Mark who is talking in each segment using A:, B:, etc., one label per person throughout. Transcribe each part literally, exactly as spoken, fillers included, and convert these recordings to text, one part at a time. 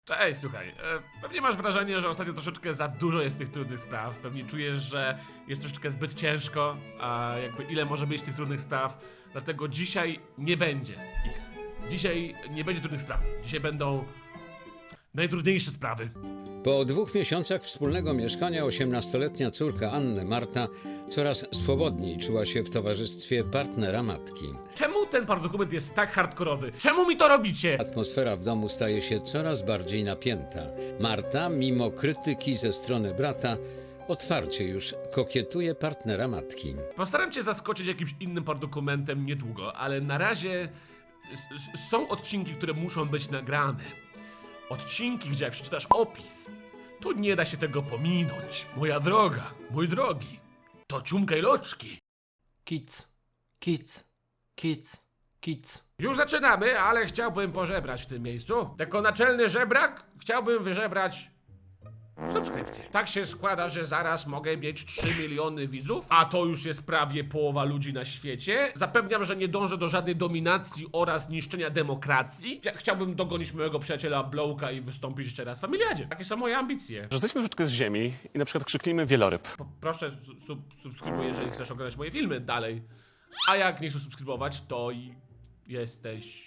A: Cześć, słuchaj, e, pewnie masz wrażenie, że ostatnio troszeczkę za dużo jest tych trudnych spraw. Pewnie czujesz, że jest troszeczkę zbyt ciężko, a jakby ile może być tych trudnych spraw. Dlatego dzisiaj nie będzie ich. Dzisiaj nie będzie trudnych spraw. Dzisiaj będą najtrudniejsze sprawy.
B: Po dwóch miesiącach wspólnego mieszkania osiemnastoletnia córka Anny, Marta, coraz swobodniej czuła się w towarzystwie partnera matki.
A: Czemu ten paradokument jest tak hardkorowy? Czemu mi to robicie?
B: Atmosfera w domu staje się coraz bardziej napięta. Marta, mimo krytyki ze strony brata, otwarcie już kokietuje partnera matki.
A: Postaram cię zaskoczyć jakimś innym paradokumentem niedługo, ale na razie s- s- są odcinki, które muszą być nagrane. Odcinki, gdzie jak przeczytasz opis, to nie da się tego pominąć. Moja droga, mój drogi, to ciumka i loczki.
C: Kids, kids, kids, kids.
A: Już zaczynamy, ale chciałbym pożebrać w tym miejscu. Jako naczelny żebrak chciałbym wyżebrać subskrypcję. Tak się składa, że zaraz mogę mieć trzy miliony widzów, a to już jest prawie połowa ludzi na świecie. Zapewniam, że nie dążę do żadnej dominacji oraz niszczenia demokracji. Ja chciałbym dogonić mojego przyjaciela Blowka i wystąpić jeszcze raz w Familiadzie. Takie są moje ambicje.
D: Że zejdźmy troszeczkę z ziemi i na przykład krzyknijmy wieloryb.
A: Po, proszę sub subskrybuj, jeżeli chcesz oglądać moje filmy dalej. A jak nie chcesz subskrybować, to i jesteś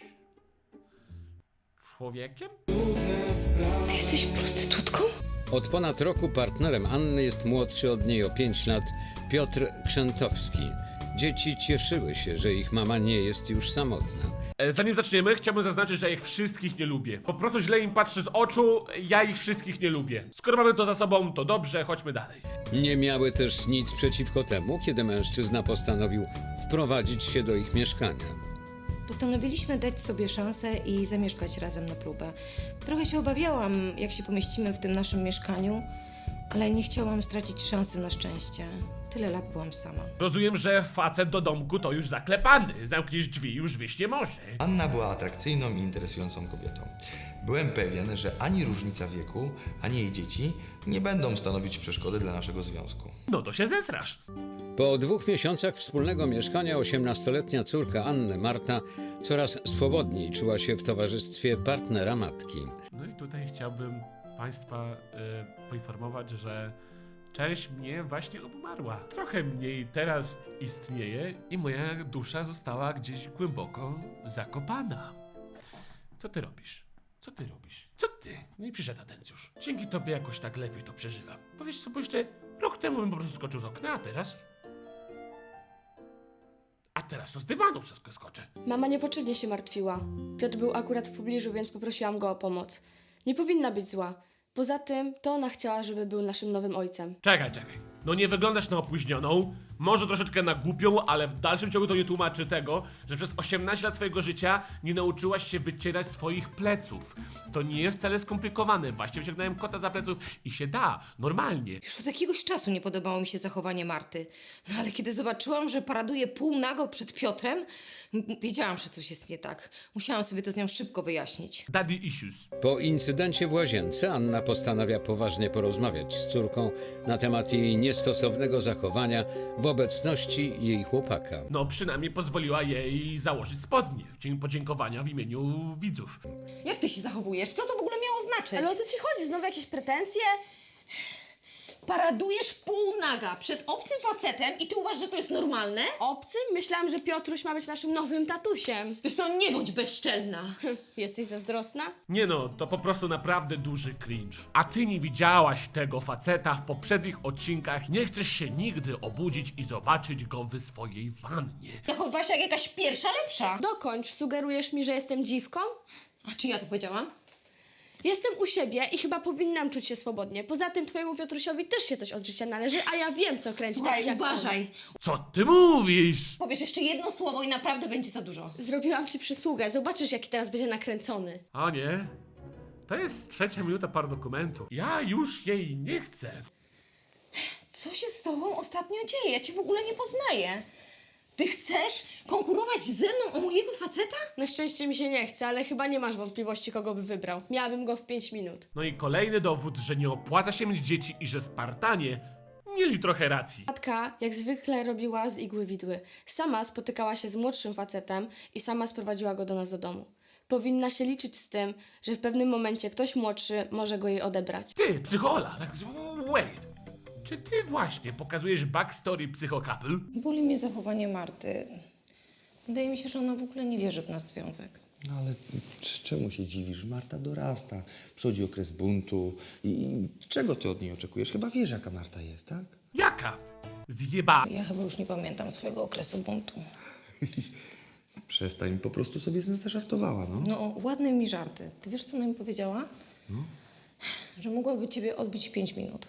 A: człowiekiem?
E: Ty jesteś prostytutką?
B: Od ponad roku partnerem Anny jest młodszy od niej o pięć lat Piotr Krzętowski. Dzieci cieszyły się, że ich mama nie jest już samotna.
A: E, Zanim zaczniemy, chciałbym zaznaczyć, że ich wszystkich nie lubię. Po prostu źle im patrzę z oczu, ja ich wszystkich nie lubię. Skoro mamy to za sobą, to dobrze, chodźmy dalej.
B: Nie miały też nic przeciwko temu, kiedy mężczyzna postanowił wprowadzić się do ich mieszkania.
E: Postanowiliśmy dać sobie szansę i zamieszkać razem na próbę. Trochę się obawiałam, jak się pomieścimy w tym naszym mieszkaniu, ale nie chciałam stracić szansy na szczęście. Tyle lat byłam sama.
A: Rozumiem, że facet do domku to już zaklepany. Zamkniesz drzwi, już wyjść nie może.
F: Anna była atrakcyjną i interesującą kobietą. Byłem pewien, że ani różnica wieku, ani jej dzieci nie będą stanowić przeszkody dla naszego związku.
A: No to się zesrasz.
B: Po dwóch miesiącach wspólnego mieszkania osiemnastoletnia córka Anny, Marta, coraz swobodniej czuła się w towarzystwie partnera matki.
A: No i tutaj chciałbym Państwa e, poinformować, że część mnie właśnie obumarła. Trochę mniej teraz istnieje i moja dusza została gdzieś głęboko zakopana. Co ty robisz? Co ty robisz? Co ty? Nie przyszedł atencjusz. Dzięki tobie jakoś tak lepiej to przeżywam. Powiesz co, bo jeszcze rok temu bym po prostu skoczył z okna, a teraz... A teraz to z dywanu sk- skoczę.
G: Mama niepotrzebnie się martwiła. Piotr był akurat w pobliżu, więc poprosiłam go o pomoc. Nie powinna być zła. Poza tym, to ona chciała, żeby był naszym nowym ojcem.
A: Czekaj, czekaj. No nie wyglądasz na opóźnioną, może troszeczkę na głupią, ale w dalszym ciągu to nie tłumaczy tego, że przez osiemnaście lat swojego życia nie nauczyłaś się wycierać swoich pleców. To nie jest wcale skomplikowane. Właśnie wyciągnąłem kota za pleców i się da, normalnie.
E: Już od jakiegoś czasu nie podobało mi się zachowanie Marty. No ale kiedy zobaczyłam, że paraduje półnago przed Piotrem, m- wiedziałam, że coś jest nie tak. Musiałam sobie to z nią szybko wyjaśnić.
A: Daddy issues.
B: Po incydencie w łazience Anna postanawia poważnie porozmawiać z córką na temat jej niestosownego zachowania w obecności jej chłopaka.
A: No przynajmniej pozwoliła jej założyć spodnie w dzień podziękowania w imieniu widzów.
E: Jak ty się zachowujesz? Co to w ogóle miało znaczyć?
G: Ale o co ci chodzi? Znowu jakieś pretensje?
E: Paradujesz półnaga przed obcym facetem i ty uważasz, że to jest normalne?
G: Obcy? Myślałam, że Piotruś ma być naszym nowym tatusiem.
E: Wiesz co, nie bądź bezczelna.
G: Jesteś zazdrosna?
A: Nie no, to po prostu naprawdę duży cringe. A ty nie widziałaś tego faceta w poprzednich odcinkach, nie chcesz się nigdy obudzić i zobaczyć go w swojej wannie.
E: Zachowywałaś jak jakaś pierwsza lepsza.
G: Dokończ. Sugerujesz mi, że jestem dziwką?
E: A czy ja to powiedziałam?
G: Jestem u siebie i chyba powinnam czuć się swobodnie. Poza tym twojemu Piotrusiowi też się coś od życia należy, a ja wiem, co kręci
E: Słuchaj,
G: takich jak
E: uważaj.
A: Co ty mówisz?
E: Powiesz jeszcze jedno słowo i naprawdę będzie za dużo.
G: on. Zrobiłam ci przysługę. Zobaczysz, jaki teraz będzie nakręcony.
A: O nie, to jest trzecia minuta paradokumentu. Ja już jej nie chcę.
E: Co się z tobą ostatnio dzieje? Ja cię w ogóle nie poznaję. Ty chcesz konkurować ze mną o mojego faceta?
G: Na szczęście mi się nie chce, ale chyba nie masz wątpliwości, kogo by wybrał. Miałabym go w pięć minut.
A: No i kolejny dowód, że nie opłaca się mieć dzieci i że Spartanie mieli trochę racji.
G: Matka jak zwykle robiła z igły widły. Sama spotykała się z młodszym facetem i sama sprowadziła go do nas do domu. Powinna się liczyć z tym, że w pewnym momencie ktoś młodszy może go jej odebrać.
A: Ty, psychola, tak, wait. Czy ty właśnie pokazujesz backstory psychokapl?
E: Boli mnie zachowanie Marty. Wydaje mi się, że ona w ogóle nie wierzy w nasz związek.
F: No ale c- czemu się dziwisz? Marta dorasta, przychodzi okres buntu i, i czego ty od niej oczekujesz? Chyba wiesz, jaka Marta jest, tak?
A: Jaka? Zjeba.
E: Ja chyba już nie pamiętam swojego okresu buntu.
F: Przestań, po prostu sobie z nas zażartowała, no.
E: No, ładne mi żarty. Ty wiesz, co ona mi powiedziała? Że mogłaby ciebie odbić w pięć minut.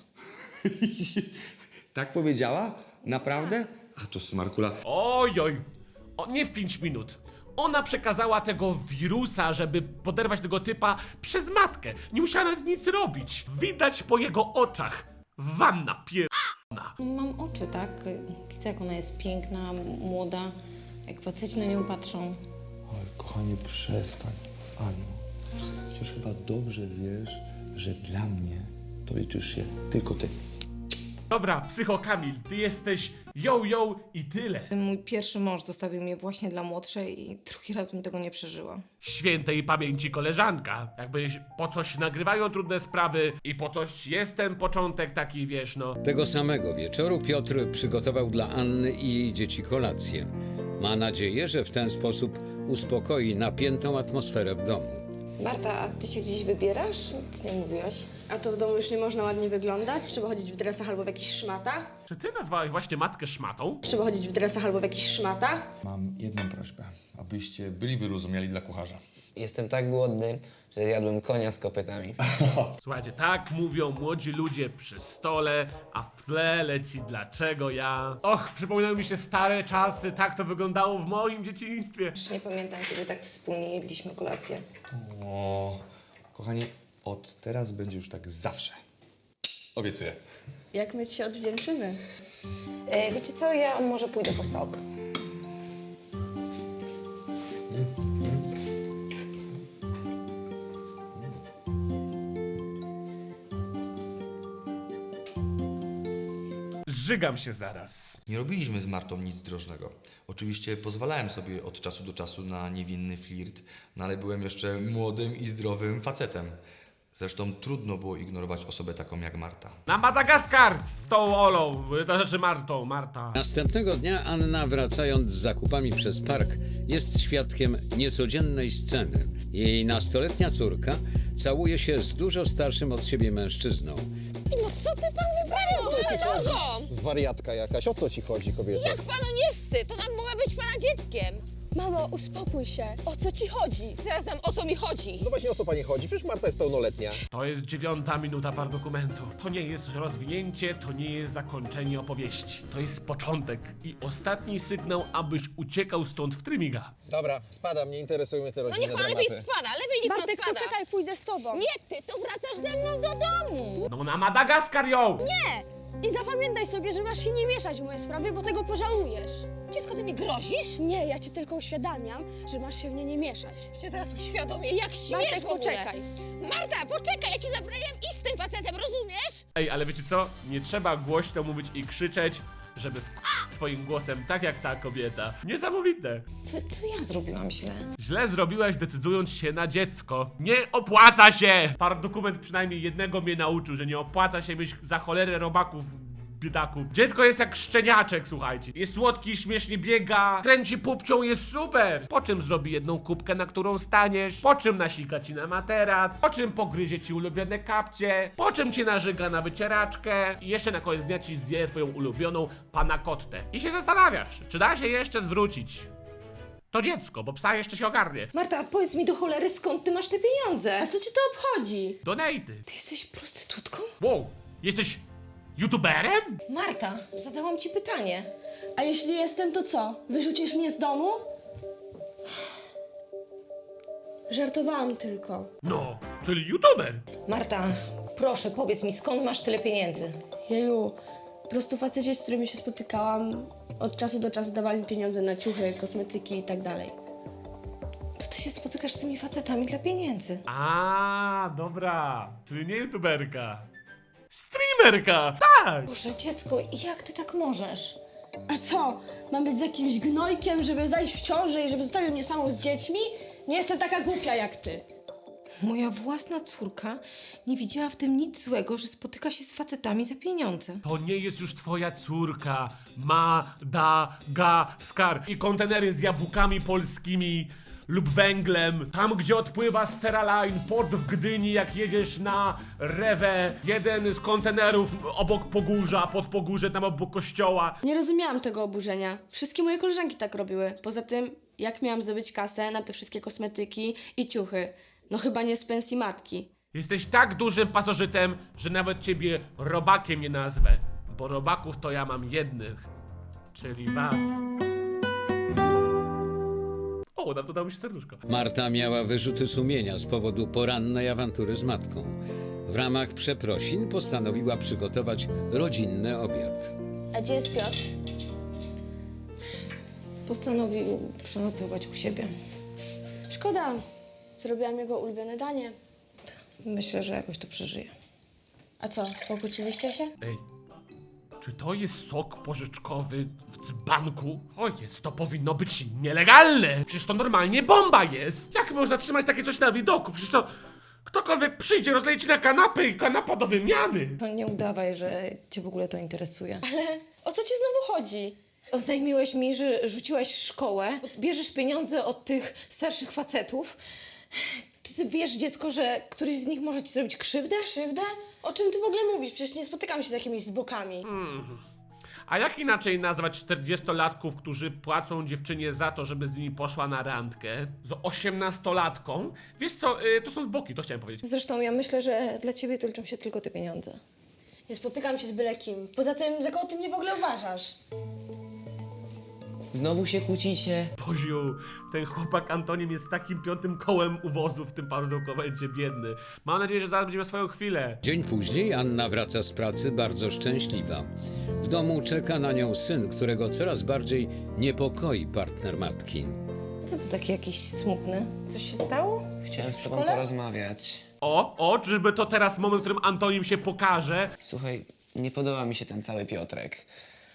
F: Tak powiedziała? Naprawdę? A to smarkula.
A: Oj, oj. O, nie w pięć minut. Ona przekazała tego wirusa, żeby poderwać tego typa przez matkę. Nie musiała nawet nic robić. Widać po jego oczach. Wanna pier...
E: Mam oczy, tak? Widzę, jak ona jest piękna, młoda. Jak faceci na nią patrzą.
F: Oj, kochanie, przestań. Aniu, przecież chyba dobrze wiesz, że dla mnie to liczysz się tylko ty.
A: Dobra, psycho Kamil, ty jesteś yo-yo i tyle.
E: Mój pierwszy mąż zostawił mnie właśnie dla młodszej i drugi raz bym tego nie przeżyła.
A: Świętej pamięci koleżanka. Jakby po coś nagrywają trudne sprawy i po coś jest ten początek taki, wiesz, no.
B: Tego samego wieczoru Piotr przygotował dla Anny i jej dzieci kolację. Ma nadzieję, że w ten sposób uspokoi napiętą atmosferę w domu.
E: Marta, a ty się gdzieś wybierasz? Nic nie mówiłaś.
G: A to w domu już nie można ładnie wyglądać? Trzeba chodzić w dresach albo w jakichś szmatach?
A: Czy ty nazwałeś właśnie matkę szmatą?
G: Trzeba chodzić w dresach albo w jakichś szmatach?
F: Mam jedną prośbę, abyście byli wyrozumiali dla kucharza.
H: Jestem tak głodny, że zjadłem konia z kopytami.
A: Słuchajcie, tak mówią młodzi ludzie przy stole, a w tle leci dlaczego ja. Och, przypominają mi się stare czasy, tak to wyglądało w moim dzieciństwie.
E: Już nie pamiętam, kiedy tak wspólnie jedliśmy kolację.
F: O, kochanie, od teraz będzie już tak zawsze. Obiecuję.
G: Jak my ci się odwdzięczymy?
E: E, wiecie co, ja może pójdę po sok.
A: Zżygam się zaraz.
F: Nie robiliśmy z Martą nic drożnego. Oczywiście pozwalałem sobie od czasu do czasu na niewinny flirt, no ale byłem jeszcze młodym i zdrowym facetem. Zresztą trudno było ignorować osobę taką jak Marta.
A: Na Madagaskar z tą Olą, to znaczy Martą, Marta.
B: Następnego dnia Anna, wracając z zakupami przez park, jest świadkiem niecodziennej sceny. Jej nastoletnia córka całuje się z dużo starszym od siebie mężczyzną.
I: Wariatka jakaś, o co ci chodzi, kobieto?
J: Jak panu nie wstyd? To nam mogła być pana dzieckiem.
G: Mamo, uspokój się. O co ci chodzi?
J: Teraz nam o co mi chodzi.
I: No właśnie, o co pani chodzi? Przecież Marta jest pełnoletnia.
A: To jest dziewiąta minuta par dokumentu. To nie jest rozwinięcie, to nie jest zakończenie opowieści. To jest początek i ostatni sygnał, abyś uciekał stąd w trymiga.
I: Dobra, spadam, nie interesują mnie te
J: No
I: rodzinne
J: niech pan
I: dramaty.
J: lepiej spada, lepiej niech pan
G: Bartek,
J: spada.
G: poczekaj, pójdę z tobą.
J: Nie, ty to wracasz ze mną do domu.
A: No na Madagaskar ją!
G: I zapamiętaj sobie, że masz się nie mieszać w moje sprawy, bo tego pożałujesz.
J: Dziecko, ty mi grozisz?
G: Nie, ja ci tylko uświadamiam, że masz się w nie nie mieszać.
J: Cię zaraz uświadomię, jak śmiesz
G: Bartek,
J: w ogóle.
G: poczekaj.
J: Marta, poczekaj, ja ci zabraniam iść z tym facetem, rozumiesz?
A: Ej, ale wiecie co? Nie trzeba głośno mówić i krzyczeć, żeby w swoim głosem, tak jak ta kobieta. Niesamowite.
E: Co, co ja zrobiłam źle?
A: Źle zrobiłaś, decydując się na dziecko. Nie opłaca się! Par dokument przynajmniej jednego mnie nauczył, że nie opłaca się mieć za cholerę robaków, biedaków. Dziecko jest jak szczeniaczek, słuchajcie. Jest słodki, śmiesznie biega, kręci pupcią, jest super. Po czym zrobi jedną kubkę, na którą staniesz? Po czym nasika ci na materac? Po czym pogryzie ci ulubione kapcie? Po czym cię nażyga na wycieraczkę? I jeszcze na koniec dnia ci zje twoją ulubioną panakottę. I się zastanawiasz, czy da się jeszcze zwrócić to dziecko, bo psa jeszcze się ogarnie.
E: Marta, powiedz mi do cholery, skąd ty masz te pieniądze?
G: A co ci to obchodzi?
A: Donaty.
E: Ty jesteś prostytutką?
A: Wow, jesteś youtuberem?
E: Marta, zadałam ci pytanie.
G: A jeśli jestem, to co? Wyrzucisz mnie z domu? Żartowałam tylko.
A: No, czyli youtuber.
E: Marta, proszę, powiedz mi, skąd masz tyle pieniędzy?
G: Jeju, po prostu faceci, z którymi się spotykałam, od czasu do czasu dawali mi pieniądze na ciuchy, kosmetyki i tak dalej.
E: To ty się spotykasz z tymi facetami dla pieniędzy.
A: A, dobra, czyli nie youtuberka. Streamerka! Tak!
E: Boże, dziecko, jak ty tak możesz?
G: A co? Mam być z jakimś gnojkiem, żeby zajść w ciążę i żeby zostawił mnie samą z dziećmi? Nie jestem taka głupia jak ty.
E: Moja własna córka nie widziała w tym nic złego, że spotyka się z facetami za pieniądze.
A: To nie jest już twoja córka. Madagaskar. I kontenery z jabłkami polskimi lub węglem. Tam, gdzie odpływa Steraline, port w Gdyni, jak jedziesz na Rewę. Jeden z kontenerów obok Pogórza, pod Pogórze, tam obok kościoła.
G: Nie rozumiałam tego oburzenia. Wszystkie moje koleżanki tak robiły. Poza tym, jak miałam zdobyć kasę na te wszystkie kosmetyki i ciuchy? No chyba nie z pensji matki.
A: Jesteś tak dużym pasożytem, że nawet ciebie robakiem nie nazwę. Bo robaków to ja mam jednych. Czyli was. O, nam to dało się serduszko.
B: Marta miała wyrzuty sumienia z powodu porannej awantury z matką. W ramach przeprosin postanowiła przygotować rodzinny obiad.
G: A gdzie jest Piotr?
E: Postanowił przenocować u siebie.
G: Szkoda. Zrobiłam jego ulubione danie.
E: Myślę, że jakoś to przeżyje.
G: A co, pokłóciliście się?
A: Ej, czy to jest sok pożyczkowy w dzbanku? O jest, to powinno być nielegalne! Przecież to normalnie bomba jest! Jak można trzymać takie coś na widoku? Przecież to ktokolwiek przyjdzie, rozleje ci na kanapę i kanapa do wymiany!
E: To nie udawaj, że cię w ogóle to interesuje.
G: Ale o co ci znowu chodzi?
E: Oznajmiłeś mi, że rzuciłaś szkołę, bierzesz pieniądze od tych starszych facetów. Czy ty wiesz, dziecko, że któryś z nich może ci zrobić krzywdę?
G: Krzywdę? O czym ty w ogóle mówisz? Przecież nie spotykam się z jakimiś zbokami.
A: Mm. A jak inaczej nazwać czterdziestolatków, którzy płacą dziewczynie za to, żeby z nimi poszła na randkę? Z osiemnastolatką? Wiesz co, y, to są zboki, to chciałem powiedzieć.
E: Zresztą ja myślę, że dla ciebie to liczą się tylko te pieniądze.
G: Nie spotykam się z byle kim. Poza tym, za kogo ty mnie w ogóle uważasz?
H: Znowu się kłócicie.
A: Boziu, ten chłopak Antonim jest takim piątym kołem u wozu w tym parodokumencie, biedny. Mam nadzieję, że zaraz będzie miał swoją chwilę.
B: Dzień później Anna wraca z pracy bardzo szczęśliwa. W domu czeka na nią syn, którego coraz bardziej niepokoi partner matki.
E: Co tu taki jakiś smutny? Coś się stało?
H: Chciałem
E: Coś
H: z
E: w
H: tobą
E: szkole?
H: porozmawiać.
A: O, o, czyżby to teraz moment, w którym Antonim się pokaże?
H: Słuchaj, nie podoba mi się ten cały Piotrek.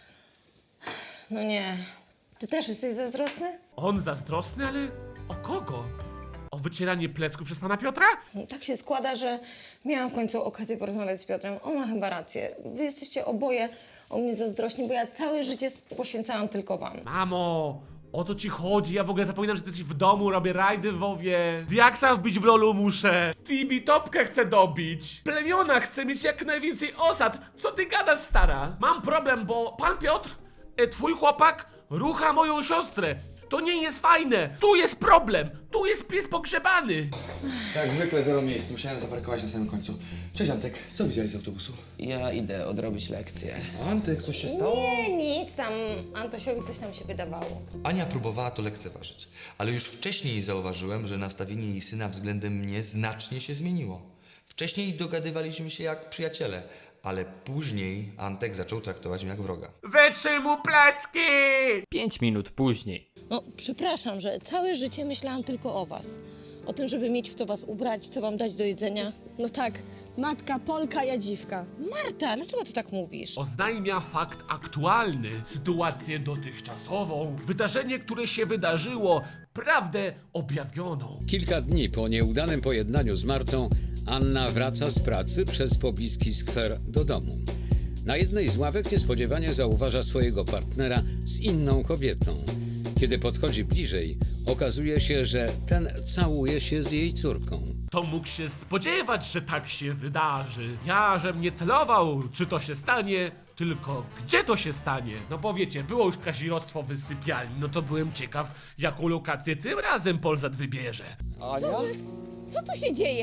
E: No nie. Ty też jesteś zazdrosny?
A: On zazdrosny, ale o kogo? O wycieranie plecków przez pana Piotra?
E: No, tak się składa, że miałam w końcu okazję porozmawiać z Piotrem. On ma chyba rację. Wy jesteście oboje o mnie zazdrośni, bo ja całe życie poświęcałam tylko wam.
A: Mamo, o to ci chodzi, ja w ogóle zapominam, że ty jesteś w domu, robię rajdy w WoWie. Diaksa wbić w lolu muszę. Tibi topkę chcę dobić. Plemiona chcę mieć jak najwięcej osad. Co ty gadasz, stara? Mam problem, bo pan Piotr, e, twój chłopak, rucha moją siostrę. To nie jest fajne. Tu jest problem. Tu jest pies pogrzebany.
F: Jak zwykle zero miejsc, musiałem zaparkować na samym końcu. Cześć Antek, co widziałeś z autobusu?
H: Ja idę odrobić lekcję.
F: Antek, coś się stało?
E: Nie, nic tam. Antosiowi coś nam się wydawało.
F: Ania próbowała to lekceważyć, ale już wcześniej zauważyłem, że nastawienie jej syna względem mnie znacznie się zmieniło. Wcześniej dogadywaliśmy się jak przyjaciele, ale później Antek zaczął traktować mnie jak wroga.
A: Wytrzyj mu plecki!
C: Pięć minut później.
E: No, przepraszam, że całe życie myślałam tylko o was. O tym, żeby mieć w co was ubrać, co wam dać do jedzenia.
G: No tak, matka, Polka, ja dziwka.
E: Marta, dlaczego ty tak mówisz?
A: Oznajmia fakt aktualny, sytuację dotychczasową, wydarzenie, które się wydarzyło, prawdę objawioną.
B: Kilka dni po nieudanym pojednaniu z Martą, Anna wraca z pracy przez pobliski skwer do domu. Na jednej z ławek niespodziewanie zauważa swojego partnera z inną kobietą. Kiedy podchodzi bliżej, okazuje się, że ten całuje się z jej córką.
A: To mógł się spodziewać, że tak się wydarzy. Ja, żem nie celował, czy to się stanie, tylko gdzie to się stanie. No bo wiecie, było już kazirodztwo w sypialni, no to byłem ciekaw, jaką lokację tym razem Polsat wybierze.
I: Ania?
J: Co tu się dzieje?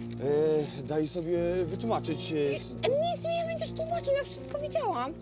I: E, daj sobie wytłumaczyć. E,
J: Nic mi nie będziesz tłumaczył, ja wszystko widziałam.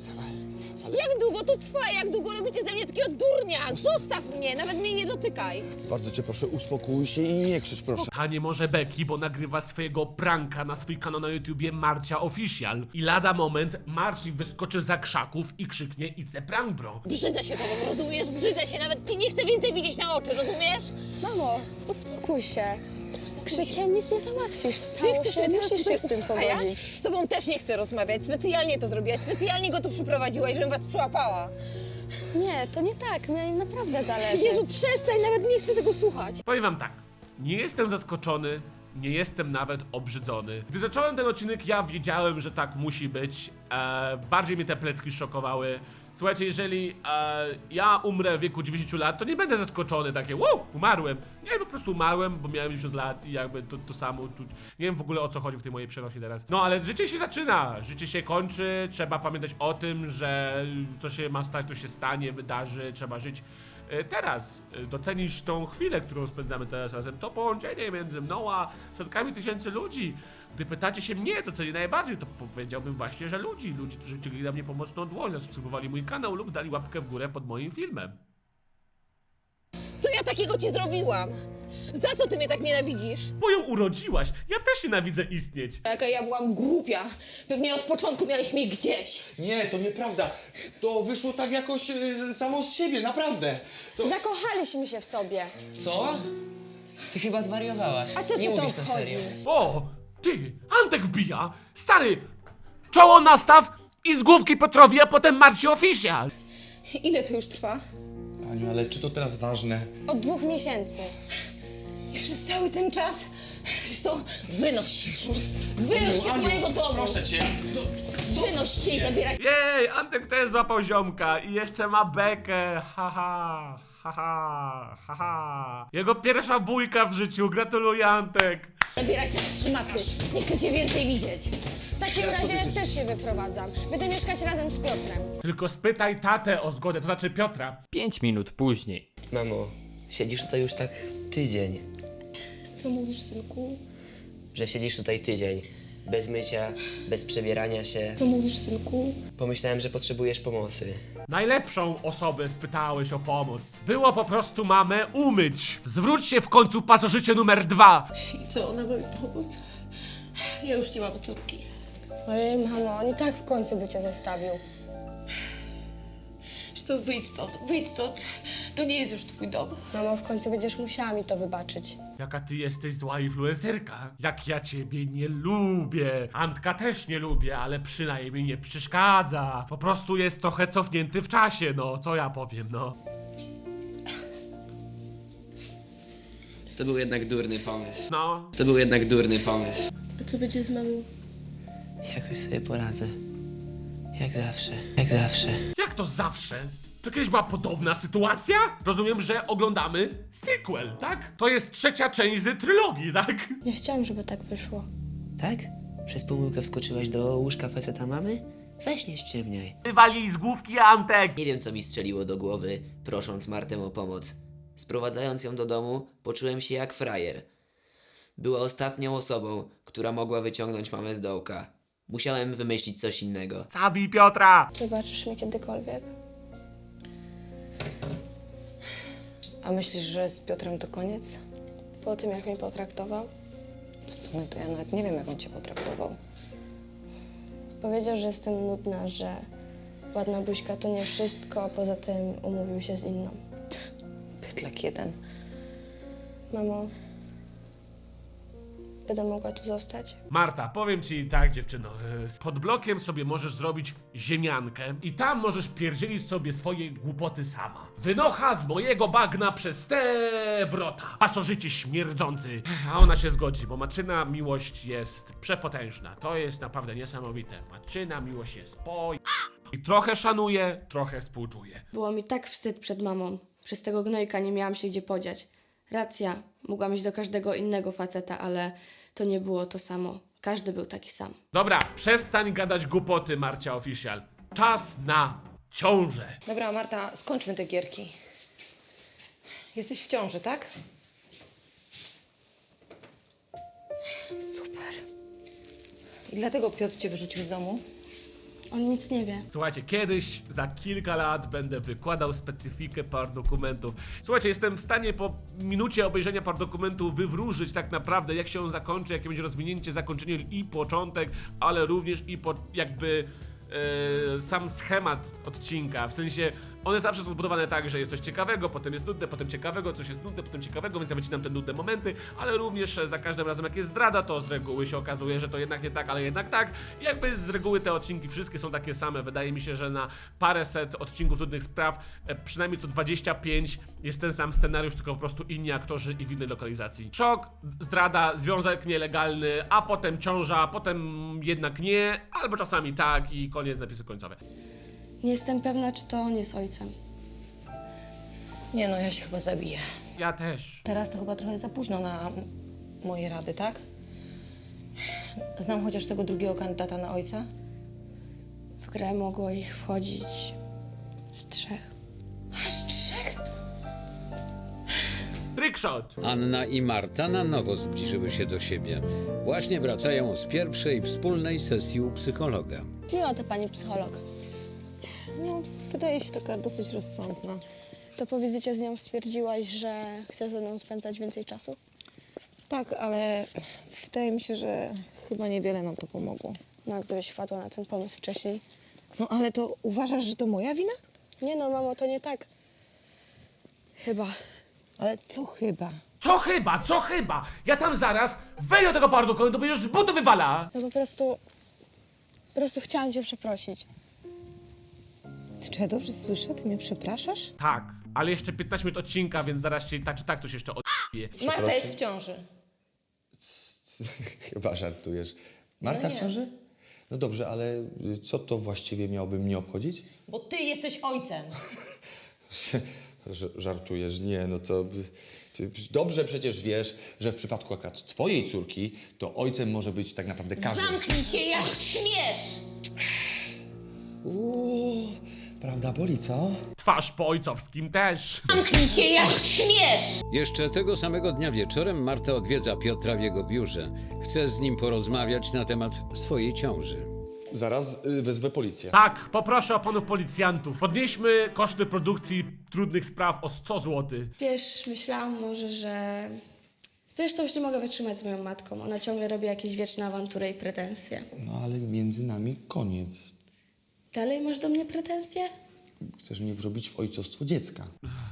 J: Jak długo to trwa? Jak długo robicie ze mnie takiego durnia? Zostaw mnie, nawet mnie nie dotykaj.
I: bardzo cię proszę, uspokój się i nie krzycz, proszę.
A: Ta nie może Beki, bo nagrywa swojego pranka na swój kanał na YouTubie Marcia Official. I lada moment Marci wyskoczy za krzaków i krzyknie "It's a prank, bro".
J: Brzydzę się tobą, rozumiesz? Brzydzę się, nawet ci nie chcę więcej widzieć na oczy, rozumiesz?
G: Mamo, uspokój się. Krzykiem nic nie załatwisz.
J: Ty
G: Stało
J: chcesz
G: się,
J: mnie teraz
G: musisz się
J: tutaj
G: z tym
J: uspokajać?
G: pogodzić.
J: Z tobą też nie chcę rozmawiać, specjalnie to zrobiłaś, specjalnie go tu przyprowadziłaś, żebym was przyłapała.
G: Nie, to nie tak, mnie im naprawdę zależy.
J: Jezu, przestań, nawet nie chcę tego słuchać.
A: Powiem wam tak, nie jestem zaskoczony, nie jestem nawet obrzydzony. Gdy zacząłem ten odcinek, ja wiedziałem, że tak musi być. E, bardziej mnie te plecki szokowały. Słuchajcie, jeżeli e, ja umrę w wieku dziewięćdziesięciu lat, to nie będę zaskoczony, takie wow, umarłem. Nie, po prostu umarłem, bo miałem dziewięćdziesiąt lat i jakby to, to samo czuć. Nie wiem w ogóle o co chodzi w tej mojej przenosie teraz. No ale życie się zaczyna, życie się kończy, trzeba pamiętać o tym, że co się ma stać, to się stanie, wydarzy, trzeba żyć e, teraz. E, docenić tą chwilę, którą spędzamy teraz razem, to połączenie między mną a setkami tysięcy ludzi. Gdy pytacie się mnie, to cenię najbardziej, to powiedziałbym właśnie, że ludzi, ludzi, którzy wyciągnęli na mnie pomocną dłoń, zasubskrybowali mój kanał lub dali łapkę w górę pod moim filmem.
J: Co ja takiego ci zrobiłam? Za co ty mnie tak nienawidzisz?
A: Bo ją urodziłaś, ja też nienawidzę istnieć.
J: Jaka ja byłam głupia. Pewnie od początku miałeś mnie gdzieś.
I: Nie, to nieprawda. To wyszło tak jakoś y, samo z siebie, naprawdę. To...
G: Zakochaliśmy się w sobie.
H: Co? Ty chyba zwariowałaś.
G: A co
H: Nie
G: cię to
H: mówisz na
G: obchodzi?
H: serio.
A: O, ty, Antek wbija, stary, czoło nastaw i z główki Piotrowi, a potem Marci Official.
J: Ile to już trwa?
I: Aniu, ale czy to teraz ważne?
G: Od dwóch miesięcy.
J: I przez cały ten czas... Wiesz co? Wynoś się. Wynoś się z mojego domu.
I: Proszę cię. No,
J: Wynoś się i zabieraj.
A: Jej, Antek też złapał ziomka i jeszcze ma bekę, haha, haha, haha. Jego pierwsza bójka w życiu, gratuluję Antek.
J: Zabieraj te szmaty. Nie chcę cię więcej widzieć.
G: W takim razie też się wyprowadzam. Będę mieszkać razem z Piotrem.
A: Tylko spytaj tatę o zgodę, to znaczy Piotra.
C: pięć minut później.
H: Mamo, siedzisz tutaj już tak tydzień.
G: Co mówisz, synku?
H: Że siedzisz tutaj tydzień. Bez mycia, bez przebierania się.
G: Co mówisz, synku?
H: Pomyślałem, że potrzebujesz pomocy.
A: Najlepszą osobę spytałeś o pomoc. Było po prostu mamę umyć. Zwróć się w końcu pasożycie numer dwa.
E: I co, ona ma mi pomóc? Ja już nie mam córki.
G: Ojej, mamo, on i tak w końcu by cię zostawił.
E: Wiesz co, wyjdź stąd, wyjdź stąd. To nie jest już twój dom.
G: Mamo, w końcu będziesz musiała mi to wybaczyć.
A: Jaka ty jesteś zła influencerka. Jak ja ciebie nie lubię. Antka też nie lubię, ale przynajmniej nie przeszkadza. Po prostu jest trochę cofnięty w czasie, no. Co ja powiem, no.
H: To był jednak durny pomysł.
A: No.
H: To był jednak durny pomysł.
G: A co będzie z mamą?
H: Jakoś sobie poradzę. Jak zawsze. Jak zawsze.
A: Jak to zawsze? To kiedyś była podobna sytuacja? Rozumiem, że oglądamy sequel, tak? To jest trzecia część z trylogii, tak?
G: Nie chciałam, żeby tak wyszło.
H: Tak? Przez pomyłkę wskoczyłaś do łóżka faceta mamy? Weź nie ściemniaj.
A: Wywali z główki Antek.
K: Nie wiem, co mi strzeliło do głowy, prosząc Martę o pomoc. Sprowadzając ją do domu, poczułem się jak frajer. Była ostatnią osobą, która mogła wyciągnąć mamę z dołka. Musiałem wymyślić coś innego.
A: Zabij Piotra.
G: Wybaczysz mi kiedykolwiek?
E: A myślisz, że z Piotrem to koniec?
G: Po tym, jak mnie potraktował?
E: W sumie to ja nawet nie wiem, jak on cię potraktował.
G: Powiedział, że jestem nudna, że ładna buźka to nie wszystko, a poza tym umówił się z inną.
E: Pytlak jeden.
G: Mamo, będę mogła tu zostać?
A: Marta, powiem ci tak, dziewczyno. e, Pod blokiem sobie możesz zrobić ziemiankę i tam możesz pierdzielić sobie swoje głupoty sama. Wynocha z mojego bagna przez te wrota. Pasożycie śmierdzący. A ona się zgodzi, bo Maczyna miłość jest przepotężna. To jest naprawdę niesamowite. Maczyna miłość jest po... I trochę szanuje, trochę współczuje.
G: Było mi tak wstyd przed mamą. Przez tego gnojka nie miałam się gdzie podziać. Racja, mogłam iść do każdego innego faceta, ale to nie było to samo. Każdy był taki sam.
A: Dobra, przestań gadać głupoty, Marcia Official. Czas na ciążę.
E: Dobra, Marta, skończmy te gierki. Jesteś w ciąży, tak? Super. I dlatego Piotr cię wyrzucił z domu?
G: On nic nie wie.
A: Słuchajcie, kiedyś, za kilka lat będę wykładał specyfikę par dokumentów. Słuchajcie, jestem w stanie po minucie obejrzenia par dokumentu wywróżyć tak naprawdę, jak się on zakończy, jakie będzie rozwinięcie, zakończenie i początek, ale również i po, jakby yy, sam schemat odcinka, w sensie one zawsze są zbudowane tak, że jest coś ciekawego, potem jest nudne, potem ciekawego, coś jest nudne, potem ciekawego, więc ja wycinam te nudne momenty, ale również e, za każdym razem jak jest zdrada, to z reguły się okazuje, że to jednak nie tak, ale jednak tak. I jakby z reguły te odcinki wszystkie są takie same. Wydaje mi się, że na paręset odcinków Trudnych Spraw, e, przynajmniej co dwadzieścia pięć jest ten sam scenariusz, tylko po prostu inni aktorzy i w innej lokalizacji. Szok, zdrada, związek nielegalny, a potem ciąża, potem jednak nie, albo czasami tak i koniec, napisy końcowe.
G: Nie jestem pewna, czy to on jest ojcem.
E: Nie no, ja się chyba zabiję.
A: Ja też.
E: Teraz to chyba trochę za późno na m- moje rady, tak? Znam chociaż tego drugiego kandydata na ojca.
G: W grę mogło ich wchodzić z trzech.
E: Aż trzech?
A: Trickshot!
B: Anna i Marta na nowo zbliżyły się do siebie. Właśnie wracają z pierwszej wspólnej sesji u psychologa.
G: Miła to pani psycholog.
E: No, wydaje się taka dosyć rozsądna.
G: To po wizycie z nią stwierdziłaś, że chce ze mną spędzać więcej czasu?
E: Tak, ale wydaje mi się, że chyba niewiele nam to pomogło.
G: No, a gdybyś wpadła na ten pomysł wcześniej.
E: No, ale to uważasz, że to moja wina?
G: Nie no, mamo, to nie tak. Chyba.
E: Ale co chyba?
A: Co chyba, co chyba? Ja tam zaraz wejdę do tego parduka i to będziesz z butu wywala!
G: No po prostu... Po prostu chciałam cię przeprosić.
E: Czy ja dobrze słyszę? Ty mnie przepraszasz?
A: Tak, ale jeszcze piętnaście minut odcinka, więc zaraz się tak czy tak coś jeszcze odbije.
E: Marta jest w ciąży.
F: Chyba żartujesz. Marta
E: No nie.
F: w ciąży? No dobrze, ale co to właściwie miałoby mnie obchodzić?
E: Bo ty jesteś ojcem.
F: Ż- Żartujesz? Nie, no to... Dobrze przecież wiesz, że w przypadku akurat twojej córki, to ojcem może być tak naprawdę każdy.
E: Zamknij się, jak śmiesz!
F: Uuu, prawda boli, co?
A: Twarz po ojcowskim też.
E: Zamknij się, jak śmiesz!
B: Jeszcze tego samego dnia wieczorem Marta odwiedza Piotra w jego biurze. Chce z nim porozmawiać na temat swojej ciąży.
F: Zaraz y, wezwę policję.
A: Tak, poproszę o panów policjantów. Podnieśmy koszty produkcji Trudnych Spraw o sto złotych.
G: Wiesz, myślałam może, że... Zresztą już nie mogę wytrzymać z moją matką. Ona ciągle robi jakieś wieczne awantury i pretensje.
F: No ale między nami koniec.
G: Dalej masz do mnie pretensje?
F: Chcesz mnie wrobić w ojcostwo dziecka.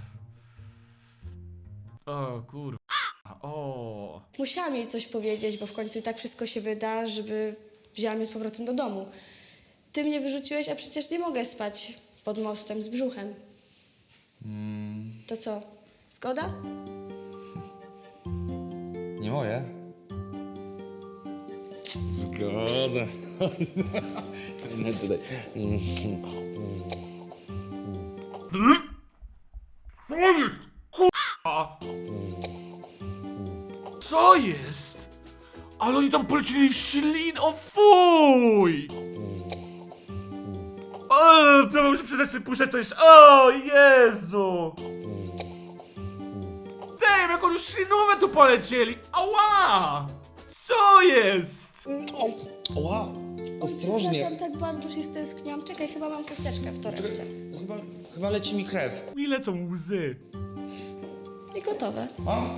A: O kurwa. O.
G: Musiałam jej coś powiedzieć, bo w końcu i tak wszystko się wyda, żeby wzięła mnie z powrotem do domu. Ty mnie wyrzuciłeś, a przecież nie mogę spać pod mostem z brzuchem.
F: Mm,
G: To co, zgoda?
F: nie moje? Zgoda. No tutaj.
A: Co jest? Kurwa. Co jest? Ale oni tam polecili w ślin, o fuj! O, prawo muszę przede wszystkim puszczać, to jest... O Jezu! Damn, jak oni już ślinówę tu polecieli! Ała! Co jest?
F: Oła, ostrożnie.
G: Przepraszam, tak bardzo się stęskniłam. Czekaj, chyba mam chusteczkę w torebce.
F: No chyba, chyba leci mi krew.
A: Mi lecą łzy.
G: I gotowe.
F: A?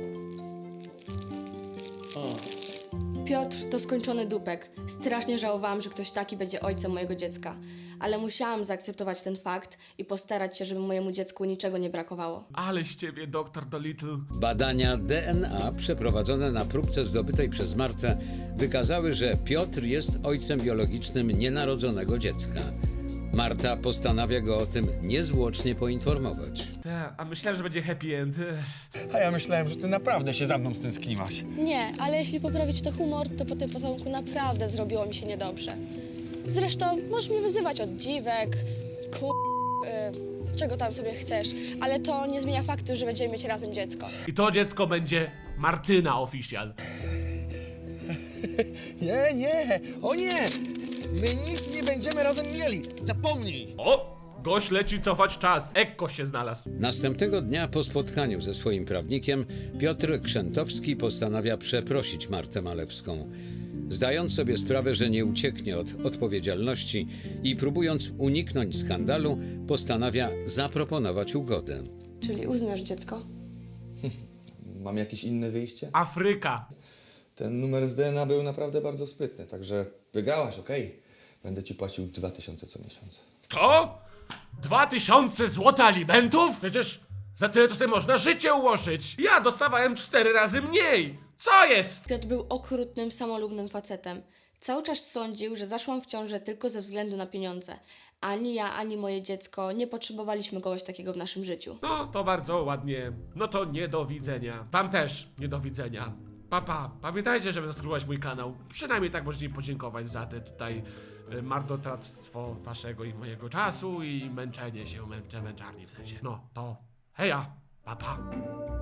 G: Piotr to skończony dupek. Strasznie żałowałam, że ktoś taki będzie ojcem mojego dziecka. Ale musiałam zaakceptować ten fakt i postarać się, żeby mojemu dziecku niczego nie brakowało.
A: Ale z ciebie, doktor Dolittle.
B: Badania D N A przeprowadzone na próbce zdobytej przez Martę wykazały, że Piotr jest ojcem biologicznym nienarodzonego dziecka. Marta postanawia go o tym niezwłocznie poinformować.
A: Ta, a myślałem, że będzie happy end.
I: A ja myślałem, że ty naprawdę się za mną stęskniłaś.
G: Nie, ale jeśli poprawić to humor, to po tym pocałunku naprawdę zrobiło mi się niedobrze. Zresztą możesz mnie wyzywać od dziwek, ku... Yy, czego tam sobie chcesz, ale to nie zmienia faktu, że będziemy mieć razem dziecko.
A: I to dziecko będzie Martyna Official.
I: Nie, nie, o nie! My nic nie będziemy razem mieli. Zapomnij!
A: O! Gość leci cofać czas. Ekko się znalazł.
B: Następnego dnia po spotkaniu ze swoim prawnikiem Piotr Krzętowski postanawia przeprosić Martę Malewską. Zdając sobie sprawę, że nie ucieknie od odpowiedzialności i próbując uniknąć skandalu, postanawia zaproponować ugodę.
G: Czyli uznasz dziecko?
F: Mam jakieś inne wyjście?
A: Afryka.
F: Ten numer z D N A był naprawdę bardzo sprytny, także wygrałaś, okej. Będę ci płacił dwa tysiące co miesiąc.
A: Co? Dwa tysiące złota alimentów? Przecież za tyle to sobie można życie ułożyć. Ja dostawałem cztery razy mniej. Co jest?
G: Piotr był okrutnym, samolubnym facetem. Cały czas sądził, że zaszłam w ciążę tylko ze względu na pieniądze. Ani ja, ani moje dziecko nie potrzebowaliśmy kogoś takiego w naszym życiu.
A: No, to bardzo ładnie. No to nie do widzenia. Wam też nie do widzenia. Papa, pamiętajcie, żeby zasubskrybować mój kanał. Przynajmniej tak możecie mi podziękować za te tutaj y, marnotrawstwo waszego i mojego czasu i męczenie się, męcze, męczarni w sensie. No, to heja, papa.